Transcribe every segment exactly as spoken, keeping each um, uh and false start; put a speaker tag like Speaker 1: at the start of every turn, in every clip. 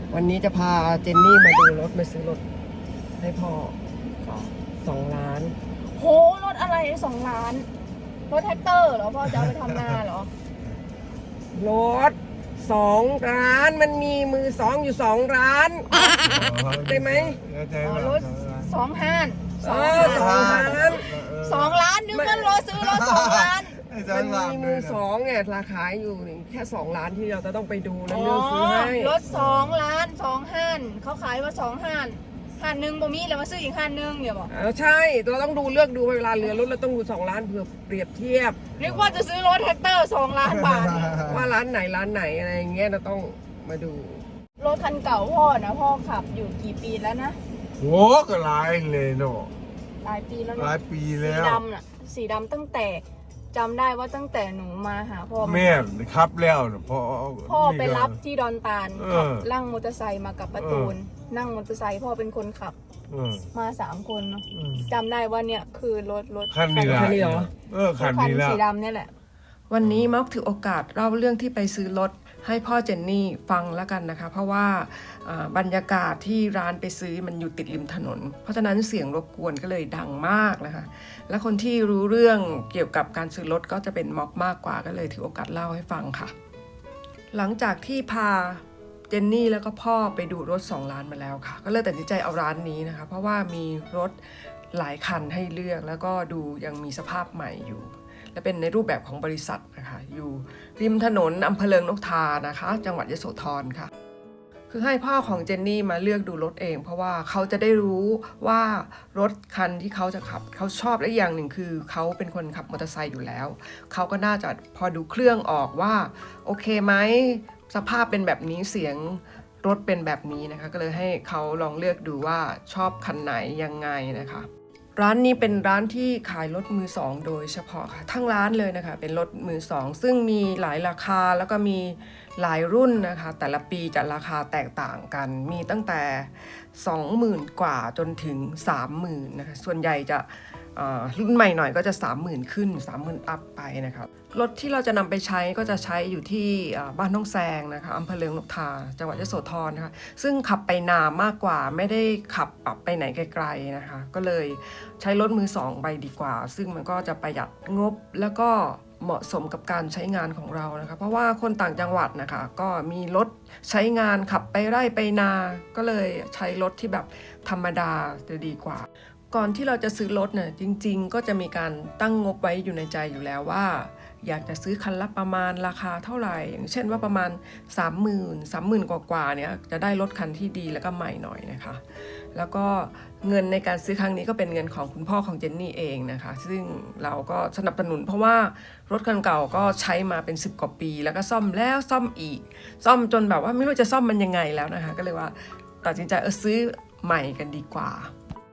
Speaker 1: วันนี้จะพาเจนนี่มาดูรถมาซื้อรถให้พ่อสองล้าน
Speaker 2: โหรถอะไรสองล้านรถแท็กเตอร์เหรอพ่อจะเอาไปทำนาเหรอ
Speaker 1: รถสองล้านมันมีมือสองอยู่สองล้านได้ไหม
Speaker 2: อ๋อรถสองห้าน
Speaker 1: สองล้าน
Speaker 2: สองล้านนึกว่ารถซื้อรถสองล้าน
Speaker 1: มันมีมือสองเนี่ยราคาอยู่แค่สองล้านที่เราจะต้องไปดูแล้วเลือกซื้อให้
Speaker 2: รถสองล้านสองห้านเขาขายว่าสองห้านห้านหนึ่งบ่มีแล้วมาซื้ออีกห้านหนึ่งเนี่ยบอก
Speaker 1: เออใช่เราต้องดูเลือกดูเวลาเรือรถเราต้องดูสองล้านเพื่อเปรียบเทียบ
Speaker 2: นึกว่าจะซื้อรถแท็กเตอร์สองล้านบาท
Speaker 1: ว่าร้านไหนร้านไหนอะไรอย่างเงี้ยเราต้องมาดู
Speaker 2: รถคันเก่าพ่อนะพ่อขับอยู่กี่ปีแล้วนะ
Speaker 3: โอ้ก็หลายเลยเนาะ
Speaker 2: หลายปีแล้ว
Speaker 3: หลายปีแล้ว
Speaker 2: สีดำน่ะสีดำตั้งแต่จำได้ว่าตั้งแต่หนูมาหาพ่อ
Speaker 3: แม่ครับแล้วนะพ่อ
Speaker 2: พ่อไปรับที่ดอนตาลขับลั่งมอเตอร์ไซค์มากับประตูนนั่งมอเตอร์ไซค์พ่อเป็นคนขับมาสามคนเนาะจำได้ว่าเนี่ยคือรถรถ
Speaker 3: คันนี้เหรอเออคันนี้ละ
Speaker 2: สีดำเนี่ยแหละ
Speaker 1: วันนี้ม็อกถือโอกาสเล่าเรื่องที่ไปซื้อรถให้พ่อเจนนี่ฟังแล้วกันนะคะเพราะว่าบรรยากาศที่ร้านไปซื้อมันอยู่ติดริมถนนเพราะฉะนั้นเสียงรบกวนก็เลยดังมากนะคะและคนที่รู้เรื่องเกี่ยวกับการซื้อรถก็จะเป็นม็อกมากกว่าก็เลยถือโอกาสเล่าให้ฟังค่ะหลังจากที่พาเจนนี่แล้วก็พ่อไปดูรถสองล้านมาแล้วค่ะก็เลยตัดสินใจเอาร้านนี้นะคะเพราะว่ามีรถหลายคันให้เลือกแล้วก็ดูยังมีสภาพใหม่อยู่และเป็นในรูปแบบของบริษัทนะคะอยู่ริมถนนอำเภอเลิงนกทานะคะจังหวัดยโสธรค่ะคือให้พ่อของเจนนี่มาเลือกดูรถเองเพราะว่าเขาจะได้รู้ว่ารถคันที่เขาจะขับเขาชอบและอย่างหนึ่งคือเขาเป็นคนขับมอเตอร์ไซค์อยู่แล้วเขาก็น่าจะพอดูเครื่องออกว่าโอเคไหมสภาพเป็นแบบนี้เสียงรถเป็นแบบนี้นะคะก็เลยให้เขาลองเลือกดูว่าชอบคันไหนยังไงนะคะร้านนี้เป็นร้านที่ขายรถมือสองโดยเฉพาะค่ะทั้งร้านเลยนะคะเป็นรถมือสองซึ่งมีหลายราคาแล้วก็มีหลายรุ่นนะคะแต่ละปีจะราคาแตกต่างกันมีตั้งแต่ สองหมื่น กว่าจนถึง สามหมื่น นะคะส่วนใหญ่จะรุ่นใหม่หน่อยก็จะ สามหมื่น ขึ้น สามหมื่น อัพไปนะคะรถที่เราจะนำไปใช้ก็จะใช้อยู่ที่บ้านน้องแซงนะคะอำเภอเลิงนกทาจังหวัดยโสธรนะคะซึ่งขับไปนามากกว่าไม่ได้ขับไปไหนไกลๆนะคะก็เลยใช้รถมือสองไปดีกว่าซึ่งมันก็จะประหยัดงบแล้วก็เหมาะสมกับการใช้งานของเรานะคะเพราะว่าคนต่างจังหวัดนะคะก็มีรถใช้งานขับไปไร่ไปนาก็เลยใช้รถที่แบบธรรมดาจะดีกว่าก่อนที่เราจะซื้อรถเนี่ยจริงๆก็จะมีการตั้งงบไว้อยู่ในใจอยู่แล้วว่าอยากจะซื้อคันละประมาณราคาเท่าไหร่อย่างเช่นว่าประมาณ สามหมื่น สามหมื่น กว่าๆเนี่ยจะได้รถคันที่ดีแล้วก็ใหม่หน่อยนะคะแล้วก็เงินในการซื้อครั้งนี้ก็เป็นเงินของคุณพ่อของเจนนี่เองนะคะซึ่งเราก็สนับสนุนเพราะว่ารถคันเก่าก็ใช้มาเป็นสิบกว่าปีแล้วก็ซ่อมแล้วซ่อมอีกซ่อมจนแบบว่าไม่รู้จะซ่อมมันยังไงแล้วนะคะก็เลยว่าตัดสินใจเออซื้อใหม่กันดีกว่า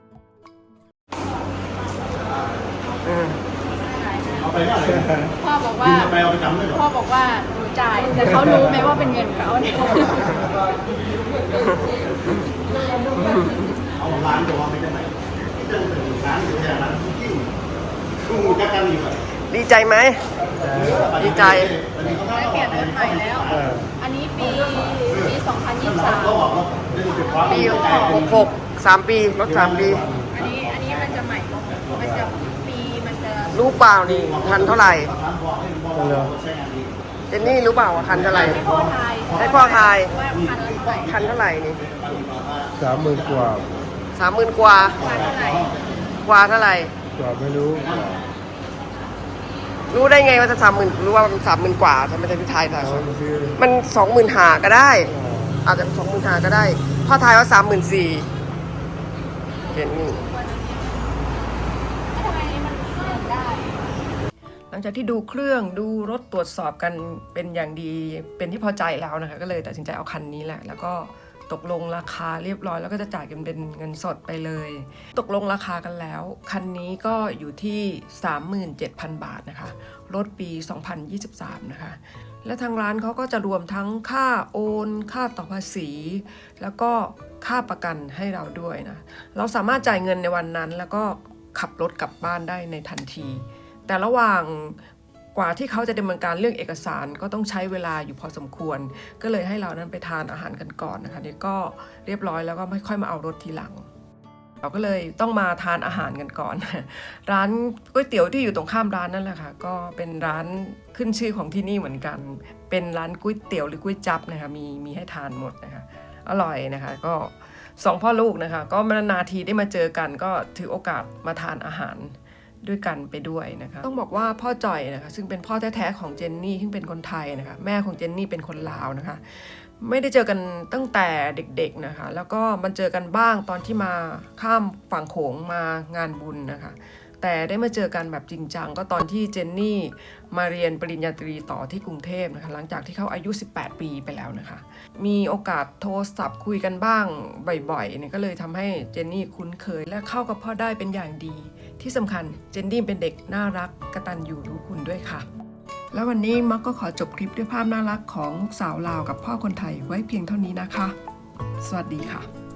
Speaker 2: พ่อบอกว่าพ่อบอกว่าหนูจ่ายแต่เขารู้ไหมว่าเป็นเงินเขาเนี่ย
Speaker 4: เอาร้านตัวไม่ได้ไหนร้านอยู่อย่างนั้นคู่จะกันอยู่
Speaker 1: ดีใจไหมดีใจ
Speaker 2: ได้เปลี่ยนรถใหม่แล้วอันนี้ปีปีสองพันยี่สิบสาม
Speaker 1: ปีหกหกสามปีรถสามปี
Speaker 2: อันนี้อันนี้มันจะใหม่มันจะปีมันจะ
Speaker 1: รู้เปล่านี่คันเท่าไหร่เจนนี่รู้เปล่าว่าคันเท่าไหร่
Speaker 2: ให้พ่อทาย
Speaker 1: ให้พ่อทาย
Speaker 2: ว่าคันเท่าไหร่
Speaker 1: คันเท่าไหร่นี่
Speaker 3: สามหมื่นกว่า
Speaker 1: สามหมื่นกว่า
Speaker 2: กว่าเท่าไหร่
Speaker 1: กว่าเท่าไหร่
Speaker 3: กว่าไม่รู้
Speaker 1: รู้ได้ไงว่าจะสามหมื่นรู้ว่ามันสามหมื่นกว่าทำไมจะพี่ทายแต่มันสองหมื่นหาก็ได้อาจจะสองหมื่นหาก็ได้พ่อทายว่าสามหมื่นสี่เห็นนี่หลังจากที่ดูเครื่องดูรถตรวจสอบกันเป็นอย่างดีเป็นที่พอใจแล้วนะคะก็เลยตัดสินใจเอาคันนี้แหละแล้วก็ตกลงราคาเรียบร้อยแล้วก็จะจ่ายกันเป็นเงินสดไปเลยตกลงราคากันแล้วคันนี้ก็อยู่ที่ สามหมื่นเจ็ดพัน บาทนะคะรถปีสองพันยี่สิบสามนะคะและทางร้านเขาก็จะรวมทั้งค่าโอนค่าต่อภาษีแล้วก็ค่าประกันให้เราด้วยนะเราสามารถจ่ายเงินในวันนั้นแล้วก็ขับรถกลับบ้านได้ในทันทีแต่ระหว่างกว่าที่เขาจะดำเนินการเรื่องเอกสารก็ต้องใช้เวลาอยู่พอสมควรก็เลยให้เรานั้นไปทานอาหารกันก่อนนะคะนี่ก็เรียบร้อยแล้วก็ไม่ค่อยมาเอารถทีหลังเราก็เลยต้องมาทานอาหารกันก่อน ร้านก๋วยเตี๋ยวที่อยู่ตรงข้ามร้านนั่นแหละค่ะก็เป็นร้านขึ้นชื่อของที่นี่เหมือนกันเป็นร้านก๋วยเตี๋ยวหรือก๋วยจั๊บนะคะมีมีให้ทานหมดนะคะอร่อยนะคะก็สองพ่อลูกนะคะก็นานๆทีได้มาเจอกันก็ถือโอกาสมาทานอาหารด้วยกันไปด้วยนะคะต้องบอกว่าพ่อจ่อยนะคะซึ่งเป็นพ่อแท้ๆของเจนนี่ซึ่งเป็นคนไทยนะคะแม่ของเจนนี่เป็นคนลาวนะคะไม่ได้เจอกันตั้งแต่เด็กๆนะคะแล้วก็มันเจอกันบ้างตอนที่มาข้ามฝั่งโขงมางานบุญนะคะแต่ได้มาเจอกันแบบจริงจังก็ตอนที่เจนนี่มาเรียนปริญญาตรีต่อที่กรุงเทพนะคะหลังจากที่เขาอายุสิบแปดปีไปแล้วนะคะมีโอกาสโทรศัพท์คุยกันบ้างบ่อยๆเนี่ยก็เลยทำให้เจนนี่คุ้นเคยและเข้ากับพ่อได้เป็นอย่างดีที่สำคัญเจนนี่เป็นเด็กน่ารักกตัญญูรู้คุณด้วยค่ะแล้ววันนี้มักก็ขอจบคลิปด้วยภาพน่ารักของลูกสาวลาวกับพ่อคนไทยไว้เพียงเท่านี้นะคะสวัสดีค่ะ